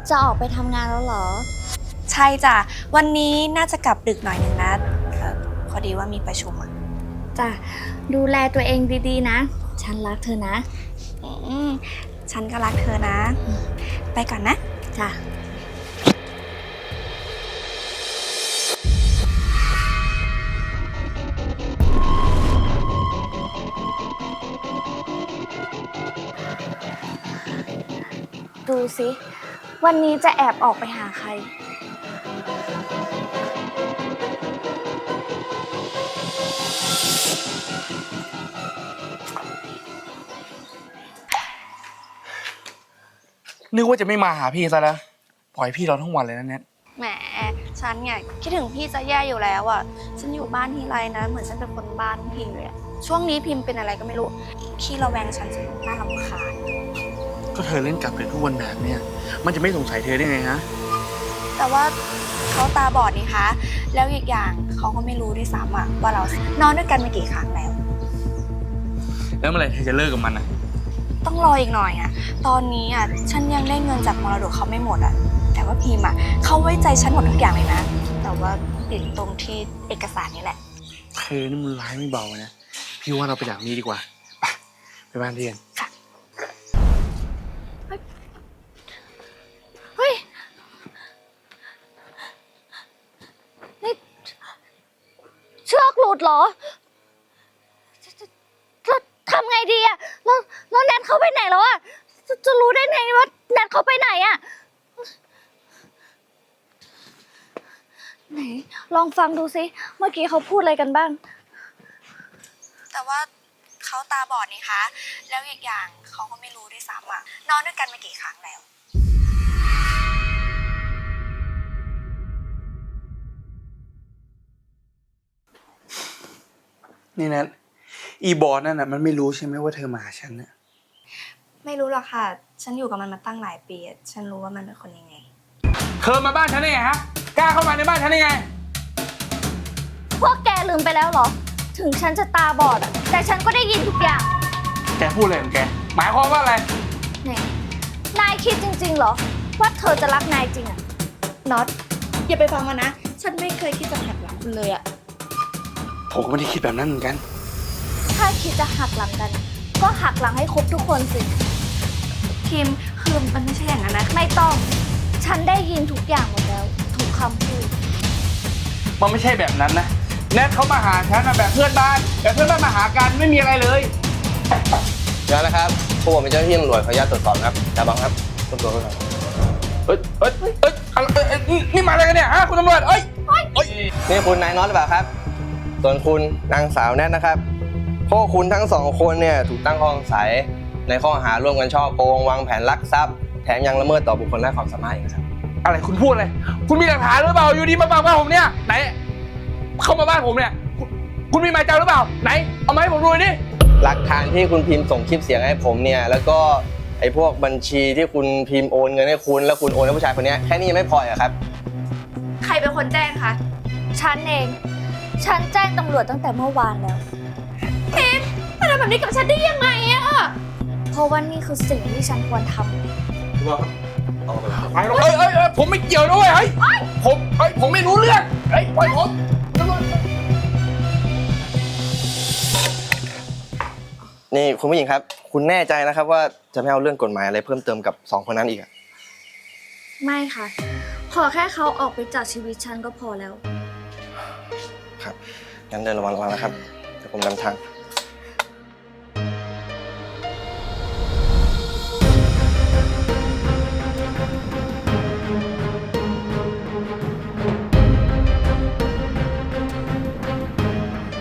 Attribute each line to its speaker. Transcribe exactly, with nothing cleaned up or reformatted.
Speaker 1: จะออกไปทำงานแล้วเหรอ
Speaker 2: ใช่จ้ะวันนี้น่าจะกลับดึกหน่อยนึงนะพอดีว่ามีประชุมอ่ะ
Speaker 1: จ้ะดูแลตัวเองดีๆนะฉันรักเธอนะ
Speaker 2: อืมฉันก็รักเธอนะไปก่อนนะ
Speaker 1: จ้ะดูสิวันนี้จะแอบออกไปหาใคร
Speaker 3: นึกว่าจะไม่มาหาพี่ซะแล้วปล่อยพี่เราทั้งวันเลยนะเน็ต
Speaker 2: แหมฉันเนี่ยคิดถึงพี่จะแย่อยู่แล้วอ่ะฉันอยู่บ้านทีไรนะเหมือนฉันเป็นคนบ้านพิมเลยอะช่วงนี้พิมเป็นอะไรก็ไม่รู้ขี้ระแวงฉันจนน่ารำคาญ
Speaker 3: ก็เธอเล่นกลับเลยทุกวันแบบเนี้ยมันจะไม่สงสัยเธอได้ไงฮะ
Speaker 2: แต่ว่าเขาตาบอดนี่คะแล้วอีกอย่างเขาก็ไม่รู้ด้วยซ้ำอะว่าเรานอนด้วยกันมากี่ครั้งแล้ว
Speaker 3: แล้วเมื่อไหร่เธอจะเลิกกับมันอ่ะ
Speaker 2: ต้องรออีกหน่อยอะตอนนี้อะฉันยังได้เงินจากมรดกเขาไม่หมดอะแต่ว่าพิมอะเขาไว้ใจฉันหมดทุกอย่างเลยนะแต่ว่าติดตรงที่เอกสารนี่แหละ
Speaker 3: เธอนี่มันร้ายไม่เบานะพี่ว่าเราไปจากนี้ดีกว่าไปไปบ้านเรียน
Speaker 2: ค่ะ
Speaker 1: เฮ้ยนี่เชือกหลุดเหรอจะทำไงดีอะแล้วแล้วแนทเขาไปไหนแล้วอะจะจะรู้ได้ไงว่าแนทเขาไปไหนอะไหนลองฟังดูสิเมื่อกี้เขาพูดอะไรกันบ้าง
Speaker 2: แต่ว่าเขาตาบอดนี่คะแล้วอีกอย่างเขาก็ไม่รู้ด้วยซ้ำอะนอนด้วยกันมากี่ครั้งแล้ว
Speaker 3: นี่นะอีบอสนั่นน่ะมันไม่รู้ใช่ไหมว่าเธอมาหาฉันน่ะ
Speaker 2: ไม่รู้หรอกค่ะฉันอยู่กับมันมาตั้งหลายปีฉันรู้ว่ามันเป็นคนยังไง
Speaker 3: เธอมาบ้านฉันได้ไงฮะกล้าเข้ามาในบ้านฉันได้ไง
Speaker 1: พวกแกลืมไปแล้วเหรอถึงฉันจะตาบอดอะแต่ฉันก็ได้ยินทุกอย่าง
Speaker 3: แกพูดอะไรของแกหมายความว่าอะไร
Speaker 1: เนี่ยนายคิดจริงๆเหรอว่าเธอจะรักนายจริงอะน็อต
Speaker 2: อย่าไปฟังมันนะฉันไม่เคยคิดจะหักหลังคุณเลยอะ
Speaker 3: ผมก็ไม่ได้คิดแบบนั้นเหมือนกัน
Speaker 1: ถ้าคิดจะหักหลังกันก็หักหลังให้ครบทุกคนสิ
Speaker 2: คิมคือมันไม่ใช่อย่างนั้นนะ
Speaker 1: ไม่ต้องฉันได้ยินทุกอย่างหมดแล้วทุกคำพูด
Speaker 3: มันไม่ใช่แบบนั้นนะแนทเขามาหาฉันนะแบบเพื่อนบ้านแบบเพื่อนบ้านมาหากันไม่มีอะไรเลย
Speaker 4: เดี๋ยวนะครับพวกผมเป็นเจ้าหน้าที่ตำรวจขออนุญาตตรวจสอบครับดาบังครับตรวจสอบหน่อย
Speaker 3: เอ้ยเอ้ยเอ้ยนี่มาอะไรกันเนี่ยฮะคุณตำรวจเอ้ยเอ้ย
Speaker 4: นี่คุณนายน็อตหรือเปล่าครับส่วนคุณนางสาวแนทนะครับพวกคุณทั้งสองคนเนี่ยถูกตั้งข้อสงสัยในข้อหาร่วมกันฉ้อโกงวางแผนลักทรัพย์แถมยังละเมิดต่อบุคคลและความสามารถอีกครับ
Speaker 3: อะไรคุณพูดอะไรคุณมีหลักฐานหรือเปล่าอยู่ดีมาบังบ้านผมเนี่ยไหนเข้ามาบ้านผมเนี่ยคุณมีหมายจับหรือเปล่าไหนเอามาให้ผมดูดิ
Speaker 4: หลักฐานที่คุณพิมพ์ส่งคลิปเสียงให้ผมเนี่ยแล้วก็ไอ้พวกบัญชีที่คุณพิมพ์โอนเงินให้คุณแล้วคุณโอนให้ผู้ชายคนนี้แค่นี้ยังไม่พอเหรอครับ
Speaker 2: ใครเป็นคนแจ้งคะ
Speaker 1: ฉันเองฉันแจ้งตำรวจตั้งแต่เมื่อวานแล้ว
Speaker 2: พิมมาทำแบบนี้กับฉันได้ยังไงอะ
Speaker 1: เพราะว่านี่คือสิ่งที่ฉันควรทำ
Speaker 3: ไปเลยเอ้ยเอ้ยผมไม่เกี่ยวด้วยเฮ้ยผมเฮ้ยผมไม่รู้เรื่องเฮ้ยปล่อยผม
Speaker 4: นี่คุณผู้หญิงครับคุณแน่ใจนะครับว่าจะไม่เอาเรื่องกฎหมายอะไรเพิ่มเติมกับสองคนนั้นอีกอ่ะ
Speaker 1: ไม่ค่ะขอแค่เขาออกไปจากชีวิตฉันก็พอแล้ว
Speaker 4: ครับงั้นเดินระวังระวังนะครับเดี๋ยวผมนำทาง